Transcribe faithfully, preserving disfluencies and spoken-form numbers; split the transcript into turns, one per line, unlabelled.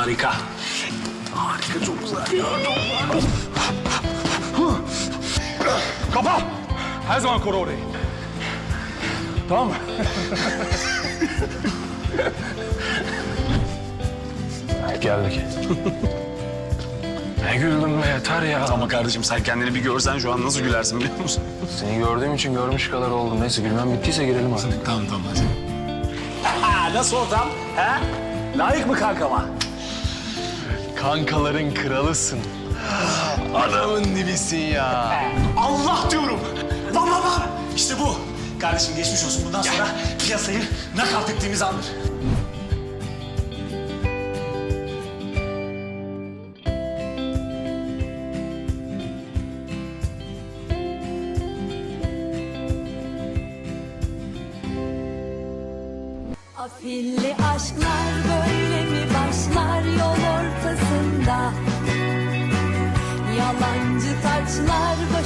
Harika. Harika, çok güzel ya, çok güzel.
Kapa! Her zaman koru orayı. Tamam mı?
Geldik. Ne güldüm be, yeter ya.
Ama kardeşim sen kendini bir görsen şu an nasıl gülersin biliyor musun?
Seni gördüğüm için görmüş kadar oldum. Neyse gülmem bittiyse girelim artık.
Tamam tamam hadi. Ha, nasıl ortam? He? Layık mı kankama?
Kankaların kralısın. Adamın dibisin ya.
Allah diyorum. Vam vam vam. İşte bu. Kardeşim geçmiş olsun. Bundan sonra piyasayı nakavt ettiğimiz andır.
Afilli aşklar böyle mi başlar yol ortasında? Yalancı taçlar